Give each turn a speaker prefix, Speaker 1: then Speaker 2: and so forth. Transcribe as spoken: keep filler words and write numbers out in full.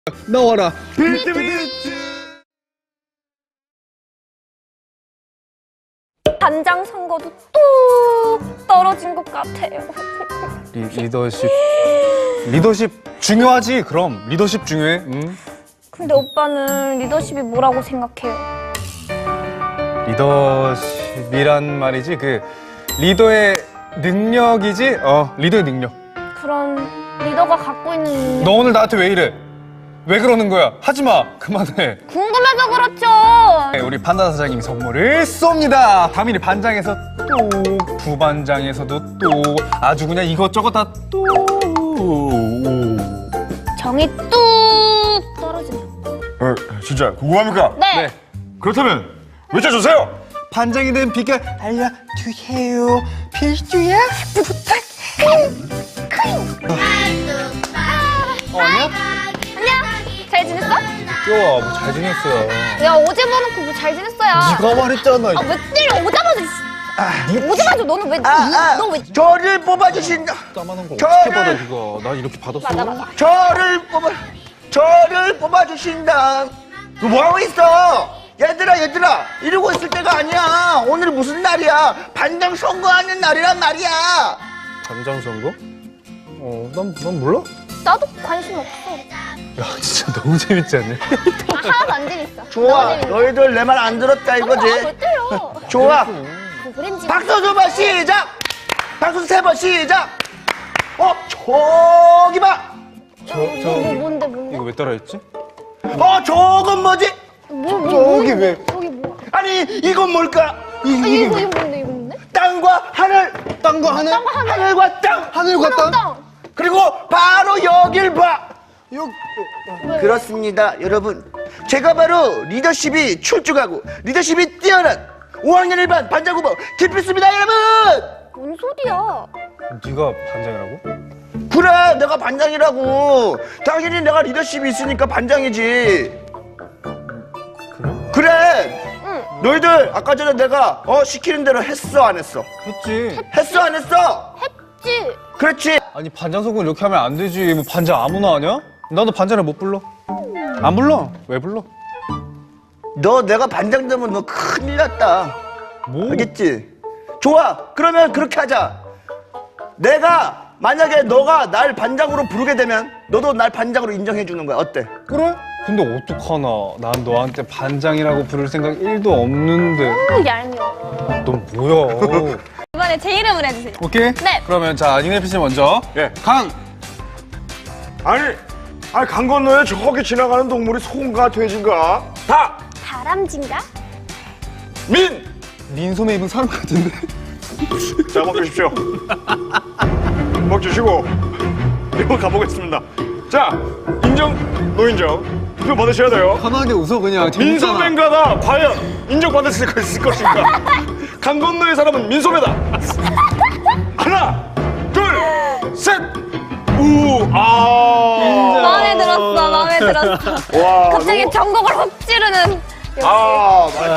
Speaker 1: 나와라.
Speaker 2: 비트 비트.
Speaker 3: 반장 선거도 뚝 떨어진 것 같아요.
Speaker 1: 리, 리더십. 리더십 중요하지. 그럼 리더십 중요해. 응?
Speaker 3: 근데 오빠는 리더십이 뭐라고 생각해요?
Speaker 1: 리더십이란 말이지. 그 리더의 능력이지. 어, 리더의 능력.
Speaker 3: 그럼 리더가 갖고 있는 능력
Speaker 1: 너 오늘 나한테 왜 이래? 왜 그러는 거야? 하지 마. 그만해.
Speaker 3: 궁금해서 그렇죠.
Speaker 1: 네, 우리 판다 사장님이 선물을 쏩니다. 다민이 반장에서 또 부반장에서도 또 아주 그냥 이것저것 다 또.
Speaker 3: 정이 뚝 떨어진다.
Speaker 2: 어, 진짜 궁금합니까?
Speaker 3: 네.
Speaker 1: 네.
Speaker 2: 그렇다면 외쳐주세요.
Speaker 1: 반장이 된 비결 알려주세요. 필수야. 어, 안녕?
Speaker 3: 안녕. 잘 지냈어?
Speaker 1: 귀여워. 뭐 잘 지냈어요.
Speaker 3: 야 어제 봐놓고 뭐 잘 지냈어야.
Speaker 1: 네가 말했잖아.
Speaker 3: 아 왜 때려? 오자마자. 씨. 오자마자 너는 왜?
Speaker 4: 아, 아,
Speaker 3: 너 왜?
Speaker 4: 저를 뽑아주신다.
Speaker 1: 까만한 거
Speaker 4: 저를-
Speaker 1: 어떻게 받아 이거? 난 이렇게 받았어.
Speaker 3: 맞아 맞아.
Speaker 4: 저를 뽑아, 저를 뽑아주신다. 너 뭐하고 있어? 얘들아, 얘들아, 이러고 있을 때가 아니야. 오늘 무슨 날이야? 반장 선거하는 날이란 말이야.
Speaker 1: 반장 선거? 어, 난, 난 몰라.
Speaker 3: 나도 관심 없어.
Speaker 1: 야, 진짜 너무 재밌지 않냐?
Speaker 3: 아, 하나도 안 재밌어.
Speaker 4: 좋아,
Speaker 3: 너무 재밌어.
Speaker 4: 너희들 내 말 안 들었다
Speaker 3: 아,
Speaker 4: 이거지?
Speaker 3: 왜 때려?
Speaker 4: 좋아.
Speaker 3: 뭐 그랬지?
Speaker 4: 박수 두 번 시작. 박수 세 번 시작. 어, 저기 봐.
Speaker 1: 저,
Speaker 3: 뭐,
Speaker 1: 저,
Speaker 3: 뭐, 뭔데 뭔데?
Speaker 4: 뭐?
Speaker 1: 이거 왜 따라했지?
Speaker 4: 어, 저건 뭐지?
Speaker 3: 뭐, 뭐,
Speaker 1: 저기
Speaker 3: 뭐,
Speaker 1: 왜?
Speaker 3: 저기 뭐?
Speaker 4: 아니, 이건 뭘까?
Speaker 3: 아, 이거 이거 뭔데 이거 뭔데?
Speaker 4: 땅과 하늘,
Speaker 1: 땅과 하늘?
Speaker 3: 땅과 하늘.
Speaker 4: 하늘과 땅.
Speaker 1: 하늘과 땅?
Speaker 3: 땅.
Speaker 4: 그리고 바로 여길 봐.
Speaker 1: 여,
Speaker 4: 그렇습니다, 여러분. 제가 바로 리더십이 출중하고 리더십이 뛰어난 오 학년 일 반 반장 후보 김필수입니다, 여러분.
Speaker 3: 뭔 소리야?
Speaker 1: 네가 반장이라고?
Speaker 4: 그래, 내가 반장이라고. 당연히 내가 리더십이 있으니까 반장이지.
Speaker 1: 그래?
Speaker 4: 그래.
Speaker 3: 응.
Speaker 4: 너희들 아까 전에 내가 어 시키는 대로 했어 안 했어?
Speaker 1: 했지.
Speaker 4: 했어 안 했어?
Speaker 3: 했지.
Speaker 4: 그렇지.
Speaker 1: 아니, 반장 선거 이렇게 하면 안 되지. 뭐 반장 아무나 하냐? 나도 반장을 못 불러. 안 불러. 왜 불러?
Speaker 4: 너 내가 반장 되면 너 큰일 났다.
Speaker 1: 뭐?
Speaker 4: 알겠지? 좋아. 그러면 그렇게 하자. 내가 만약에 너가 날 반장으로 부르게 되면 너도 날 반장으로 인정해 주는 거야. 어때?
Speaker 1: 그래? 근데 어떡하나. 난 너한테 반장이라고 부를 생각 일도 없는데.
Speaker 3: 너무 얄미워.
Speaker 1: 넌 뭐야?
Speaker 3: 이번에 제 이름을 해주세요.
Speaker 1: 오케이?
Speaker 3: 네.
Speaker 1: 그러면 자, 니네 피씨 먼저.
Speaker 2: 예.
Speaker 1: 강!
Speaker 2: 아니, 아니 강 건너에 저기 지나가는 동물이 소인가 돼지인가? 다.
Speaker 3: 다람쥐인가?
Speaker 2: 민.
Speaker 1: 민소매 입은 사람 같은데?
Speaker 2: 자, 먹주십시오. 먹주시고 이거 가보겠습니다. 자, 인정, 노인정 투표 받으셔야 돼요.
Speaker 1: 편하게 웃어, 그냥. 재밌잖아.
Speaker 2: 민소매인가다 과연 인정받을 수 있을 것인가? 강 건너의 사람은 민소매다. 하나, 둘, 셋. 우, 아.
Speaker 3: 마음에 들었어. 마음에 들었어.
Speaker 2: 와,
Speaker 3: 갑자기
Speaker 2: 너무-
Speaker 3: 전곡을 훅 찌르는.
Speaker 2: 아,